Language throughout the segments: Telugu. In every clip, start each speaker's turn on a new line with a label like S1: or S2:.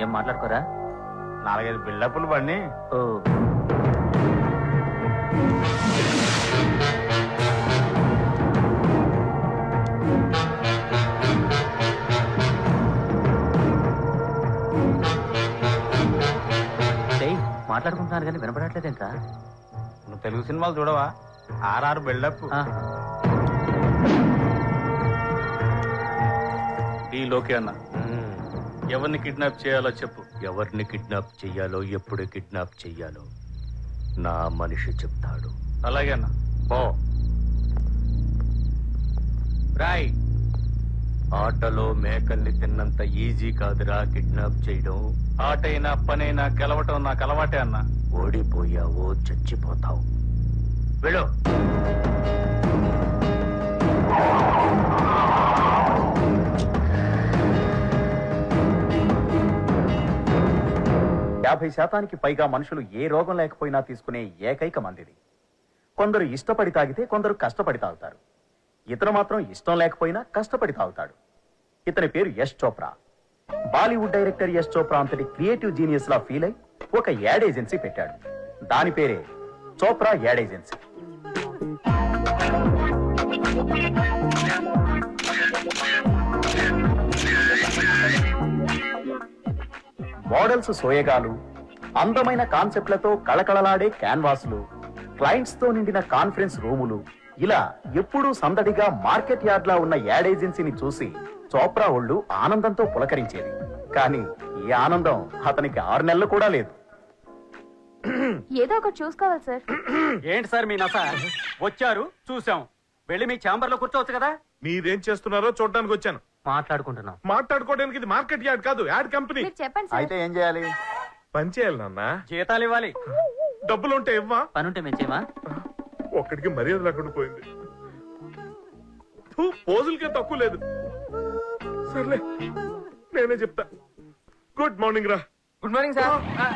S1: ఏం మాట్లాడుకోరా?
S2: 4-5 బిల్డప్లు పడిని.
S1: ఓ మాట్లాడుకుంటున్నారు కానీ వినపడట్లేదేంట్రా?
S2: నువ్వు తెలుగు సినిమాలు చూడవా? 6 బిల్డప్.
S3: లోకే అన్న, ఎవరిని కిడ్నాప్ చేయాలో చెప్పు.
S4: ఎవరిని కిడ్నాప్ చెయ్యాలో, ఎప్పుడు కిడ్నాప్ చెయ్యాలో నా మనిషి చెప్తాడు.
S3: అలాగే అన్న.
S4: రాయ్, ఆటలో మేకల్ని తిన్నంత ఈజీ కాదురా కిడ్నాప్ చేయడం.
S3: ఆటైనా పనైనా గెలవటం నాకు అలవాటే అన్న.
S4: ఓడిపోయావో చచ్చిపోతావు. వెళ్ళు.
S5: యాభై శాతానికి పైగా మనుషులు ఏ రోగం లేకపోయినా తీసుకునే ఏకైక మందిది. కొందరు ఇష్టపడి తాగితే కొందరు కష్టపడి తాగుతారు. ఇతను మాత్రం ఇష్టం లేకపోయినా కష్టపడి తాగుతాడు. ఇతని పేరు యష్ చోప్రా. బాలీవుడ్ డైరెక్టర్ యష్ చోప్రా అంతటి క్రియేటివ్ జీనియస్ లా ఫీల్ అయి ఒక యాడ్ ఏజెన్సీ పెట్టాడు. దాని పేరే చోప్రా యాడ్ ఏజెన్సీ. మోడల్స్ సోయగాలు, అందమైన కాన్సెప్ట్లతో కళకళలాడే క్యాన్వాస్లు, క్లయింట్స్ తో నిండిన కాన్ఫరెన్స్ రూములు, ఇలా ఎప్పుడూ సందడిగా మార్కెట్ యార్డ్ లా ఉన్న యాడ్ ఏజెన్సీని చూసి చోప్రా ఒళ్ళు ఆనందంతో పులకరించేది. కానీ ఈ ఆనందం అతనికి 6 నెలలు కూడా లేదు.
S6: ఏదో ఒకటి చూసుకోవాలి సార్.
S1: ఏంటి సార్ మీ నస? వచ్చారు, చూసాం, వెళ్ళి మీ ఛాంబర్ లో కూర్చోవచ్చు కదా.
S7: మీరేం చేస్తున్నారో చూడడానికి వచ్చాను.
S1: మాట్లాడుకుంటున్నాం.
S7: మాట్లాడుకోవడానికి ఇది మార్కెట్ యార్డ్ కాదు, యాడ్ కంపెనీ.
S6: మీరు చెప్పండి సార్.
S5: అయితే ఏం చేయాలి?
S7: పని చేయాలి నాన్న.
S1: జీతాలు ఇవ్వాలి.
S7: డబ్బులుంటే ఇవ్వా?
S1: పనుంటే మెచ్చేమా?
S7: ఒక్కడికి మర్యాద లేకుండా పోయింది. పోజులకే తక్కువ లేదు. సర్లే, నేనే చెప్తా. గుడ్ మార్నింగ్ రా.
S1: Good morning sir.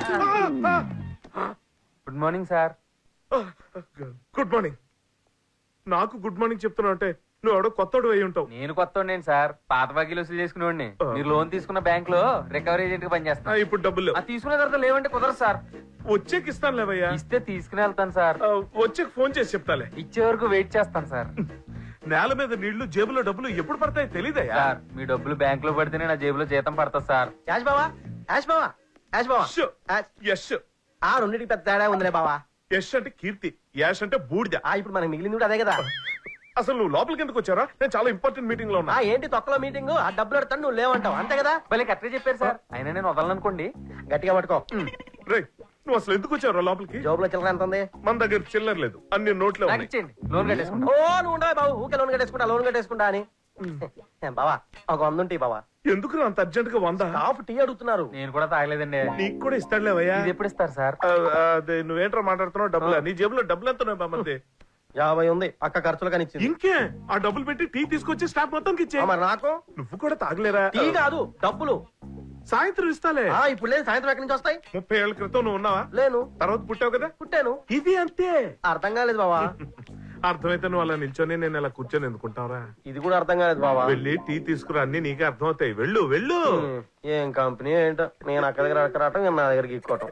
S1: Good morning sir.
S7: Good morning. నాకు గుడ్ మార్నింగ్ చెప్తున్నావు అంటే నువ్వు ఎవడో కొత్తడు అయి ఉంటావు.
S1: నేను కొత్త సార్, పాత బాకీలు వసూలు చేసుకునేవాడిని. మీరు లోన్ తీసుకున్న బ్యాంక్ లో రికవరీ ఏజెంట్ గా పనిచేస్తాను.
S7: ఇప్పుడు డబ్బులు లేవు.
S1: తీసుకున్న తర్వాత లేవంటే కుదరదు సార్.
S7: వచ్చేకి ఇస్తాను లేవయ్యా.
S1: ఇస్తే తీసుకుని వెళ్తాను సార్.
S7: వచ్చేకి ఫోన్ చేసి చెప్తాలే.
S1: ఇచ్చే వరకు వెయిట్ చేస్తాను సార్.
S7: నేల మీద నీళ్లు, జేబులో డబ్బులు ఎప్పుడు పడతాయి తెలీదయ్యా.
S1: సార్, మీ డబ్బులు బ్యాంక్ లో పడితేనే నా జేబులో జీతం పడుతుంది సార్.
S8: యాష్ బావా, యాష్ బావా, యాష్ బావా.
S7: యశ్.
S8: ఆ రెండింటికి పెద్ద తేడా ఉందిలే బావా.
S7: యశ్ అంటే కీర్తి, యాష్ అంటే బూడిద.
S8: ఇప్పుడు మనకి మిగిలింది కూడా అదే కదా.
S7: అసలు నువ్వు లోపలికి ఎందుకు వచ్చారా? నేను చాలా ఇంపార్టెంట్ మీటింగ్ లో ఉన్నా.
S8: ఏంటి తొక్కలో మీటింగ్? ఆ డబ్బులు పెడతాను, నువ్వు లేవంటావు అంతే కదా.
S1: మళ్ళీ కరెక్ట్గా చెప్పారు సార్. అయినా నేను వదలనుకోండి.
S8: గట్టిగా పట్టుకో.
S7: రే, నువ్వు అసలు ఎందుకు వచ్చారా లోపలికి?
S8: జోబులో చిల్లర ఎంత ఉంది?
S7: మన దగ్గర చిల్లర లేదు, అన్ని నోట్లే
S1: నాకు
S7: ఉన్నాయి.
S1: ఇచ్చేయండి, లోన్ కట్టేసుకుంటా.
S8: నువ్వు ఉండవు బాబు, ఊకే లోన్ కట్టేసుకుంటా అని. బావా, ఒక 100 ఉంటాయి బావా.
S7: ఎందుకు అంత అర్జెంట్ గా 100?
S8: హాఫ్ టీ అడుగుతున్నారు.
S1: నేను కూడా తాగలేదండి.
S7: నీకు కూడా ఇస్తాడులేవయ్యా.
S1: ఇది ఎప్పుడు ఇస్తారు సార్?
S7: అదే నువ్వేంట్రా మాట్లాడుతున్నావు? డబ్బులు నీ జేబులో డబ్బులు ఎంత ఉన్నాయి బామ్మది?
S8: 50 ఉంది, అక్క ఖర్చులు కానీ ఇచ్చింది.
S7: ఇంకే ఆ డబ్బులు పెట్టి టీ తీసుకొచ్చి స్టాఫ్ మొత్తం ఇచ్చే.
S8: మరి నాకు
S7: నువ్వు కూడా తాగలేరా?
S8: టీ కాదు, డబ్బులు
S7: సాయంత్రం ఇస్తాలే.
S8: ఇప్పుడు లేదు, సాయంత్రం ఎక్కడి నుంచి వస్తాయి?
S7: 30 ఏళ్ల క్రితం నువ్వు ఉన్నావా?
S8: లేను.
S7: తర్వాత పుట్టావు కదా?
S8: పుట్టాను.
S7: ఇది అంతే.
S8: అర్థం కాలేదు బావా.
S7: అర్థమైతే నువ్వు అలా నిల్చొని నేను అలా కూర్చొని ఎందుకుంటావురా?
S8: ఇది కూడా అర్థం కాలేదు బావా.
S7: వెళ్ళి టీ తీసుకురా, అన్ని నీకే అర్థం అవుతాయి. వెళ్ళు వెళ్ళు.
S8: ఏం కంపెనీ ఏంటో, నేను అక్క దగ్గర అక్కడ రావటం, నేను నా దగ్గర ఇక్కోవటం.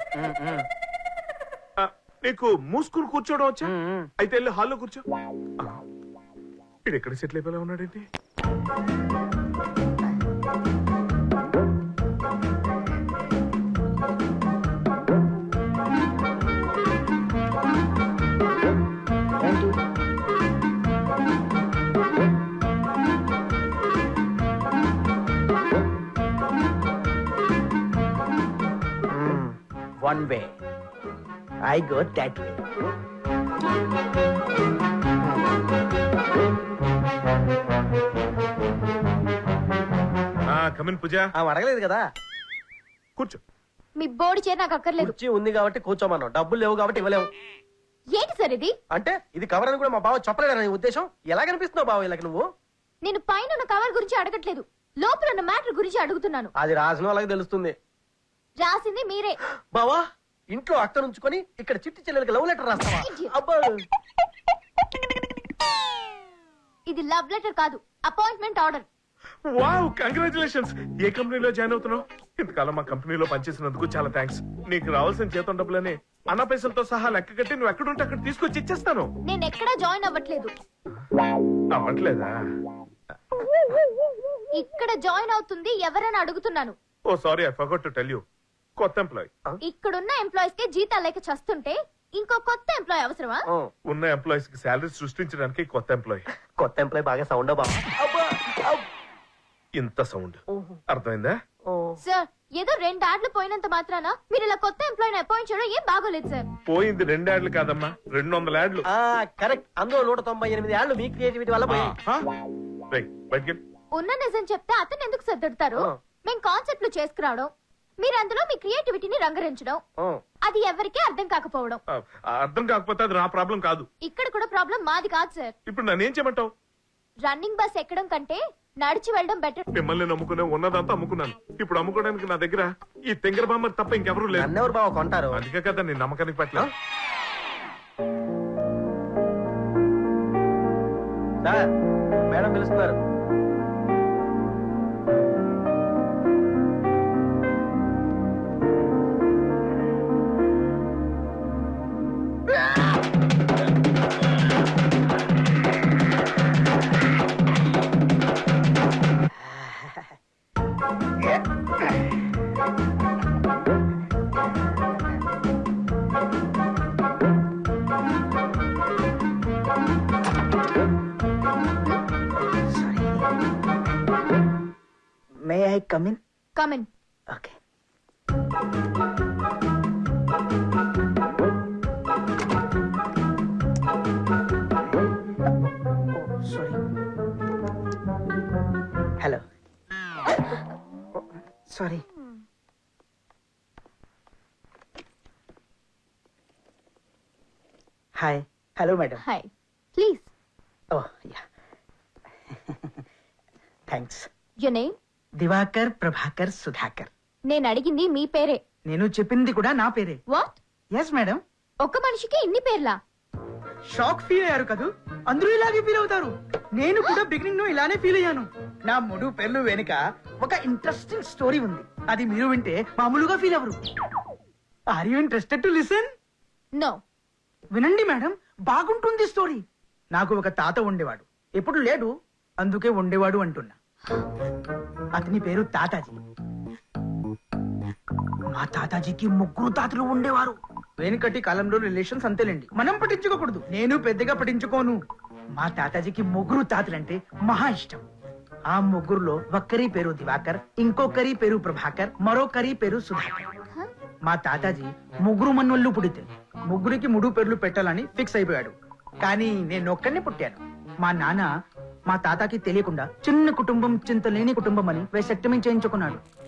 S7: నీకు మూసుకుని కూర్చోవడం వచ్చా? అయితే వెళ్ళి హాల్లో కూర్చో. ఇది ఎక్కడ సెటిల్ అయిపోయినా ఉన్నాడేంటి?
S5: One way.
S8: I go that way.
S7: Come in Pooja.
S8: అడగలేదు కదా.
S7: కూర్చో.
S6: మీ బోర్డు చైర్ నాకు అక్కర్లేదు.
S8: కుర్చీ ఉంది కాబట్టి కూర్చోమన్నావు, డబ్బులు లేవు కాబట్టి ఇవ్వలేవు.
S6: ఏంటి సార్ ఇది?
S8: అంటే ఇది కవర్ అని కూడా మా బావ చెప్పలేడని ఉద్దేశం. ఎలా కనిపిస్తున్నావు బావ ఇలా నువ్వు?
S6: నేను పైన ఉన్న కవర్ గురించి అడగట్లేదు, లోపల ఉన్న మ్యాటర్ గురించి అడుగుతున్నాను.
S8: అది రాసిన వాళ్ళకి తెలుస్తుంది.
S6: రాసింది మీరే
S8: బావా. ఇంట్లో అక్క నుంచుకొని ఇక్కడ చిట్టి చెల్లెలకి లవ్ లెటర్ రాస్తావా? అబ్బా,
S6: ఇది లవ్ లెటర్ కాదు, అపాయింట్మెంట్ ఆర్డర్.
S7: Wow, congratulations. ఏ కంపెనీలో జాయిన్ అవుతున్నావు? ఇంతకాలం మా కంపెనీలో పనిచేసినందుకు చాలా థ్యాంక్స్. నీకు రావాల్సిన జీతం డబ్బులని అన్న పైసలతో సహా లెక్క కట్టి నువ్వు ఎక్కడుంటే అక్కడ తీసుకొచ్చి ఇచ్చేస్తాను.
S6: నేను ఎక్కడా జాయిన్ అవ్వట్లేదు.
S7: అవ్వట్లేదా?
S6: ఇక్కడ జాయిన్ అవుతుంది ఎవరని అడుగుతున్నాను.
S7: ఓ sorry, I forgot to tell you. కొత్త ఎంప్లాయ్.
S6: ఇక్కడున్న ఎంప్లాయీస్ కి జీతాలు లేక చస్తుంటే ఇంకో కొత్త ఎంప్లాయీ అవసరమా?
S7: ఉన్న ఎంప్లాయీస్ కి శాలరీ సృష్టించడానికి కొత్త ఎంప్లాయీ.
S8: కొత్త ఎంప్లాయ్ బాగా సౌండ్ బావా.
S7: ఇంత సౌండ్ అర్థమైందా?
S6: సార్, ఏదో 2 యాడ్లు పోయినంత మాత్రాన మీరు ఇలా కొత్త ఎంప్లాయీని అపాయింట్ చేయడం ఏం బాగోలేదు సార్.
S7: పోయింది 2 యాడ్లు కాదమ్మా, 200 యాడ్లు.
S8: కరెక్ట్. అందులో 198 ఏళ్ళు మీ క్రియేటివిటీ వల్ల పోయి.
S7: బయటికి
S6: ఉన్న నిజం చెప్తే అతను ఎందుకు సర్దుడతారు? మేం కాన్సెప్ట్లు చేసుకురావడం, మీరు అందులో మీ క్రియేటివిటీని రంగరించడం, అది ఎవరికీ అర్థం కాకపోవడం.
S7: అర్థం కాకపోతే అది నా ప్రాబ్లం కాదు.
S6: ఇక్కడ కూడా ప్రాబ్లం మాది కాదు సార్.
S7: ఇప్పుడు నన్ను ఏం చేయమంటావు?
S6: రన్నింగ్ బస్ ఎక్కడం కంటే నడిచి వెళ్ళడం బెటర్.
S7: మిమ్మల్ని నమ్ముకునే ఉన్నదంతా అమ్ముకున్నాను. ఇప్పుడు అమ్ముకోవడానికి నా దగ్గర ఈ తెంగర బామ్మ తప్ప ఇంకెవరూ లేదు.
S8: నన్నెవరు బావ కొంటారు?
S7: అందుకే కదా నేను నమ్మకానికి పట్ల.
S8: సార్, మేడం పిలుస్తున్నారు.
S9: May I come in?
S6: Come in.
S9: Okay. Oh, sorry. Hello. Sorry. Hi. Hello, madam.
S6: Hi. Please.
S9: Oh, yeah. Thanks.
S6: Your name?
S9: Diwakar Prabhakar Sudhakar.
S6: నేను అడిగింది మీ పేరే.
S9: నేను చెప్పింది కూడా నా పేరే.
S6: వాట్?
S9: Yes madam.
S6: ఒక్క మనిషికి ఇన్ని పేర్లా?
S9: షాక్ ఫీల్ అయ్యారు కదూ, అందరూ ఇలాగే ఫీల్ అవుతారు. నేను కూడా బిగినింగ్ లో ఇలానే ఫీల్ అయ్యాను. నా 3 పేర్లు వెనుక ఒక ఇంట్రెస్టింగ్ స్టోరీ ఉంది. అది మీరు వింటే మామూలుగా ఫీల్ అవ్వరు. Are you interested to listen?
S6: No.
S9: వినండి మేడం, బాగుంటుంది స్టోరీ. నాకు ఒక తాత ఉండేవాడు, ఎప్పుడు లేడు, అందుకే ఉండేవాడు అంటున్నా. అతని పేరు తాతాజీ. మా తాతాజీకి 3 తాతలు ఉండేవారు. వెనుకటి కాలంలో రిలేషన్స్ అంతేలేండి, మనం పట్టించుకోకూడదు. నేను పెద్దగా పట్టించుకోను. మా తాతాజీకి 3 తాతలంటే మహా ఇష్టం. ఆ 3లో ఒక్కరి పేరు దివాకర్, ఇంకొకరి పేరు ప్రభాకర్, మరొకరి పేరు సుధాకర్. మా తాతాజీ 3 మన్వళ్ళు పుడితే 3కి 3 పేర్లు పెట్టాలని ఫిక్స్ అయిపోయాడు. కానీ నేను ఒక్కడినే పుట్టాను. మా నాన్న మా తాతకి తెలియకుండా చిన్న కుటుంబం చింతలేని కుటుంబం అని వేసెక్టమీ చేయించుకున్నాడు.